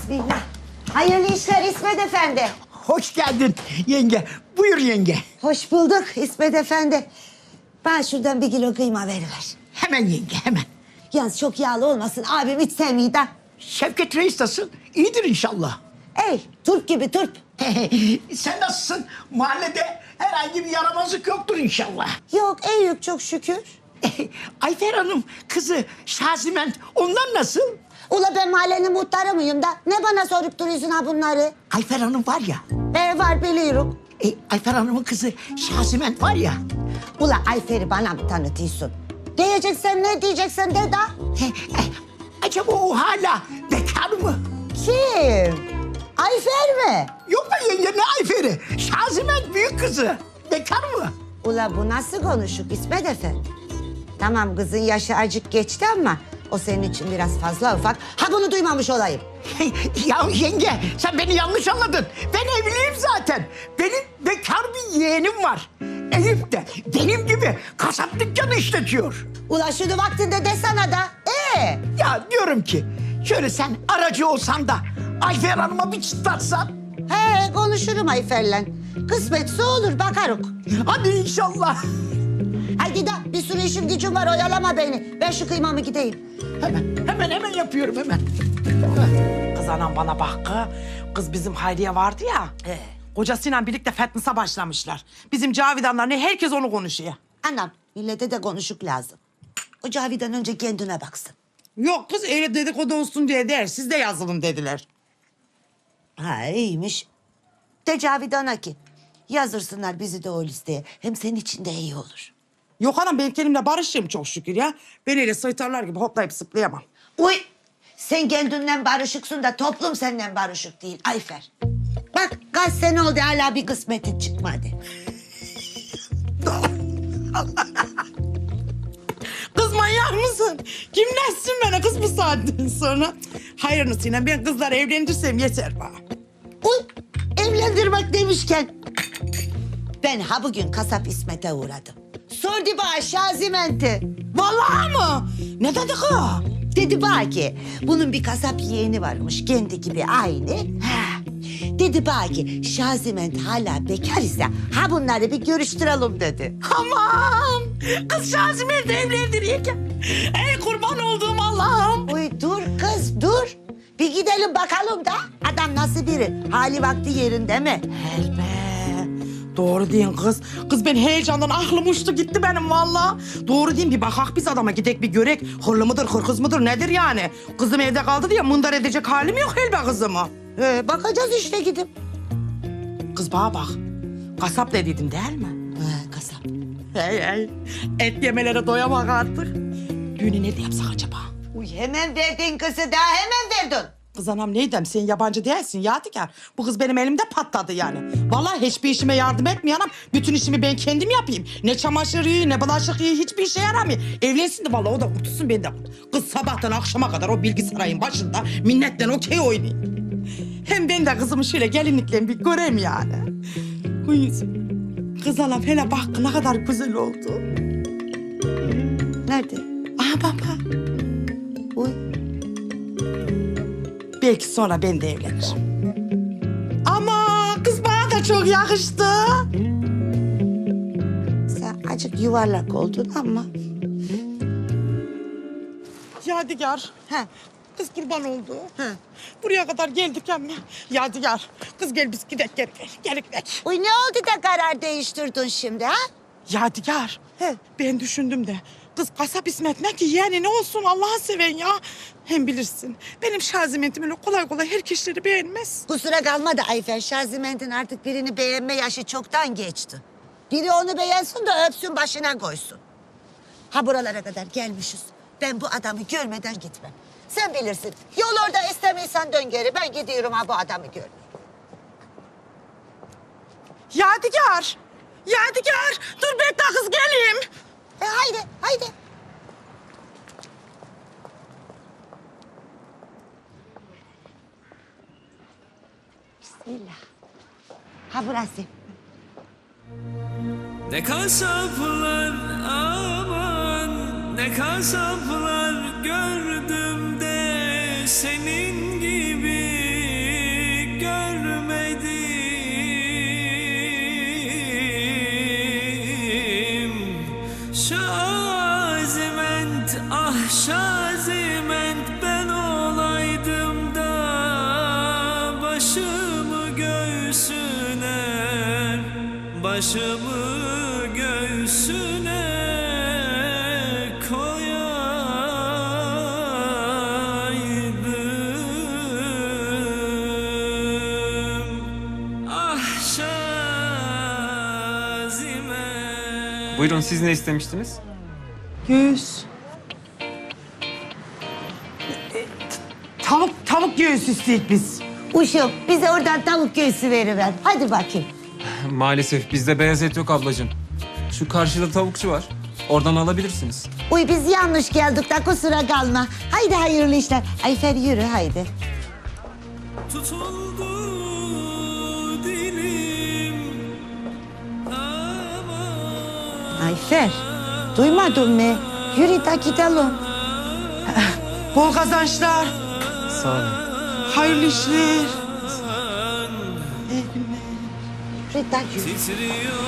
Bismillah. Hayırlı işler İsmet Efendi. Hoş geldin yenge. Buyur yenge. Hoş bulduk İsmet Efendi. Bana şuradan 1 kilo kıyma veriver. Hemen yenge hemen. Yalnız çok yağlı olmasın. Abim hiç sevmiyor da. Şevket Reis nasıl? İyidir inşallah. Ey turp gibi turp. Sen nasılsın? Mahallede herhangi bir yaramazlık yoktur inşallah. Yok yok çok şükür. Ayfer Hanım kızı Şaziment onlar nasıl? Ula ben mahallenin muhtarı mıyım da? Ne bana sorup duruyorsun ha bunları? Ayfer Hanım var ya. Var biliyorum. Ayfer Hanım'ın kızı Şaziment var ya. Ula Ayfer'i bana mı tanıtıyorsun? Diyeceksen ne diyeceksen de da. Acaba o hala bekar mı? Kim? Ayfer mi? Yok be yenge ne Ayfer'i? Şaziment büyük kızı. Bekar mı? Ula bu nasıl konuşuk İsmet Efendi? Tamam kızın yaşı acık geçti ama o senin için biraz fazla ufak. Ha bunu duymamış olayım. Ya yenge sen beni yanlış anladın. Ben evliyim zaten. Benim bekar bir yeğenim var. Eyüp de benim gibi kasap dükkanı işletiyor. Ula şunu vaktinde desene da. Ya diyorum ki şöyle sen aracı olsan da Ayfer Hanım'a bir çıtlatsan. Konuşurum Ayfer'le. Kısmetse olur bakaruk. Hadi inşallah. Haydi da bir sürü işim gücüm var oyalama beni. Ben şu kıymamı gideyim. Hemen yapıyorum hemen. Kız anam bana bak kız. Kız bizim Hayriye vardı ya. Kocasıyla birlikte fitness'a başlamışlar. Bizim Cavidanlar ne herkes onu konuşuyor. Anam millete de konuşuk lazım. O Cavidan önce kendine baksın. Yok kız öyle dedikodu olsun diye der. Siz de yazılın dediler. Ha iyiymiş. De Cavidan'a ki yazırsınlar bizi de o listeye. Hem senin için de iyi olur. Yok anam ben kendimle barışığım çok şükür ya. Ben öyle soytarlar gibi hoplayıp zıplayamam. Uy sen kendinden barışıksın da toplum senden barışık değil Ayfer. Bak kaç sene oldu hala bir kısmetin çıkmadı. Kız manyak mısın? Kim nessin bana kız bu saatten sonra? Hayırlısıyla ben kızları evlendirsem yeter bana. Uy evlendirmek demişken ben ha bugün kasap İsmet'e uğradım. Sordu bana Şaziment'i. Vallahi mı? Ne dedi kız? Dedi bana ki bunun bir kasap yeğeni varmış kendi gibi aynı. Dedi bana ki Şaziment hala bekar ise ha bunları bir görüştürelim dedi. Aman! Kız Şaziment'i evlendireyken. Ey kurban olduğum Allah'ım. Uy dur kız dur. Bir gidelim bakalım da adam nasıl biri? Hali vakti yerinde mi? Helbe. Doğru deyin kız. Kız ben heyecandan aklım uçtu gitti benim vallahi. Doğru deyin bir bakak biz adama gidek bir görek. Hırlı mıdır hırkız mıdır nedir yani? Kızım evde kaldı diye mındar edecek halim yok helbe kızımı. Bakacağız işte gidip. Kız bana bak. Kasap dediydim değil mi? Kasap. Hey. Et yemelere doyamak artık. Düğünü nerede yapsak acaba? Uy hemen verdin kızı daha hemen verdin. Kız anam neydem sen yabancı değilsin Yadigar. Bu kız benim elimde patladı yani. Vallahi hiçbir işime yardım etmiyor anam. Bütün işimi ben kendim yapayım. Ne çamaşır iyi ne bulaşık iyi hiçbir işe yaramıyor. Evlensin de vallahi o da kurtulsun ben de kurtulsun. Kız sabahtan akşama kadar o bilgisayarın başında minnetle okey oynuyor. Hem ben de kızımı şöyle gelinlikle bir göreyim yani. Uy, kız anam hele bak ne kadar güzel oldu. Nerede? Aha baba. Uy. Belki sonra ben de evlenirim. Ama kız bana da çok yakıştı. Sen acık yuvarlak oldun ama. Yadigar. Kız kurban oldu. Buraya kadar geldik ama. Yadigar. Kız gel biz gidelim gel gidelim. Uy ne oldu da karar değiştirdin şimdi ha? Yadigar. Ben düşündüm de. Kız kasap İsmet ne ki yani ne olsun Allah'ı seven ya. Hem bilirsin benim Şaziment'im öyle kolay kolay herkesleri beğenmez. Kusura kalma da Ayfer Şaziment'in artık birini beğenme yaşı çoktan geçti. Biri onu beğensin de öpsün başına koysun. Ha buralara kadar gelmişiz. Ben bu adamı görmeden gitmem. Sen bilirsin. Yol orada istemiyorsan dön geri. Ben gidiyorum ha bu adamı görmeye. Yadigar. Yadigar. Dur bekle kız geleyim. Haydi. Bismillah. Ha burası. Ne kasaplar aman, ne kasaplar gördüm de senin gibi Şaziment, ah Şaziment, ben olaydım da başımı göğsüne, başımı göğsüne koyaydım. Ah Şaziment. Buyurun, siz ne istemiştiniz? Göğüs. Tavuk göğüs isteyik biz. Uşum bize oradan tavuk göğsü veriver. Hadi bakayım. Maalesef bizde beyaz et yok ablacığım. Şu karşıda tavukçu var. Oradan alabilirsiniz. Uy biz yanlış geldik de kusura kalma. Haydi hayırlı işler. Ayfer yürü haydi. Tutuldu dilim, aman. Ayfer duymadın mı? Yürü de gidelim. Bol kazançlar. Sağ olun. Hayırlı işler. Yürü de yürü. Titriyor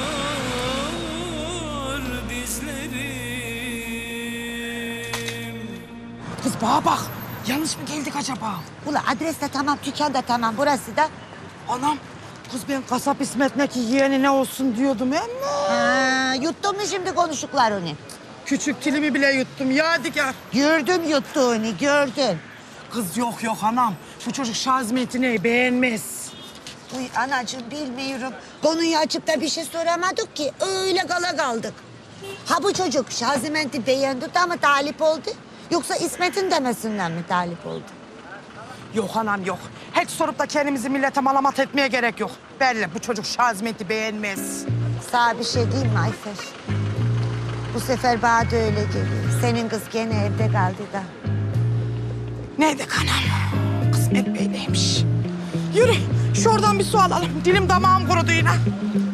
dizlerim. Kız bana bak. Yanlış mı geldik acaba? Ula adres de tamam, dükkan da tamam. Burası da. Anam. Kız ben kasap İsmet'deki yeğeni ne olsun diyordum ama. Ha, yuttun mu şimdi konuştuklarını? Küçük dilimi bile yuttum Yadigar. Gördüm yuttuğunu, gördüm. Kız yok anam. Bu çocuk Şazmet'i beğenmez. Uy anacığım bilmiyorum. Konuyu açıp da bir şey soramadık ki. Öyle kala kaldık. Ha bu çocuk Şaziment'i beğendi de mi talip oldu? Yoksa İsmet'in demesinden mi talip oldu? Yok anam yok. Hiç sorup da kendimizi millete malamat etmeye gerek yok. Belli bu çocuk Şazmet'i beğenmez. Sana bir şey diyeyim mi Ayfer? Bu sefer bana da öyle geliyor. Senin kız gene evde kaldı da. Neydi anam? Kısmet böyleymiş. Yürü şuradan bir su alalım. Dilim damağım kurudu yine.